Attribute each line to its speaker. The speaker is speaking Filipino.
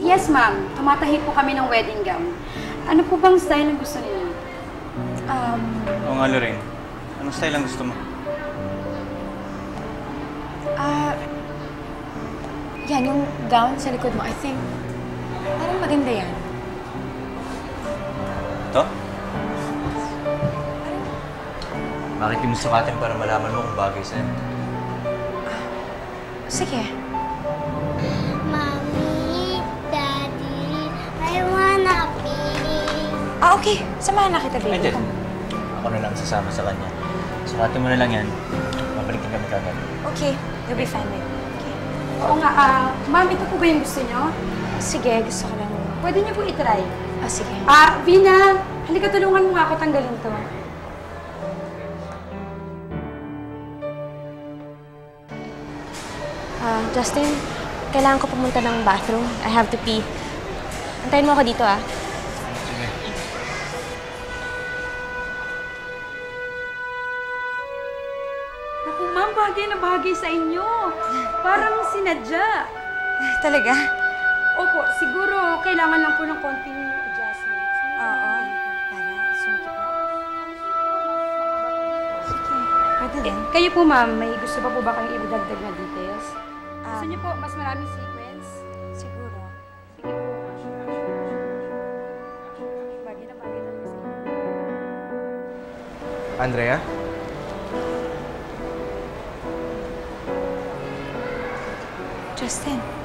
Speaker 1: Yes, ma'am. Tumatahi po kami ng wedding gown. Ano po bang style ang gusto niyo?
Speaker 2: Oo nga, Lorraine. Anong style ang gusto mo?
Speaker 3: Yan, yung gown sa likod mo, I think, parang maganda yan.
Speaker 2: Ito? Bakit di mo sukatin para malaman mo kung bagay sa'yo?
Speaker 3: Sige.
Speaker 4: Mommy, Daddy, I wanna be.
Speaker 3: Okay. Samahan na kita, baby.
Speaker 2: Ay, ako na lang sasama sa kanya. Sukatin mo na lang yan. Babalik din kami kagad.
Speaker 3: Okay. You'll be fine, baby. Okay.
Speaker 1: Oo nga, ma'am, ito po ba yung gusto niyo?
Speaker 3: Sige, gusto ko lang.
Speaker 1: Pwede niyo po itry.
Speaker 3: Sige.
Speaker 1: Vina, halika tulungan mo nga ako tanggalin to.
Speaker 3: Justin, kailangan ko pumunta ng bathroom. I have to pee. Antayin mo ako dito,
Speaker 2: Sige.
Speaker 1: Naku, ma'am, bagay na bagay sa inyo. Parang sinadya.
Speaker 3: Talaga?
Speaker 1: Opo, siguro kailangan lang po ng konting adjustments.
Speaker 3: Oo. Para sumikip na. Sige. Pwede din.
Speaker 1: Kayo po, ma'am, may gusto pa po ba kayong ibadagdag na details? Gusto niyo po mas maraming sequence?
Speaker 3: Siguro.
Speaker 1: Sige po. Bagay na bagay talaga sa inyo.
Speaker 5: Andrea?
Speaker 3: Justin.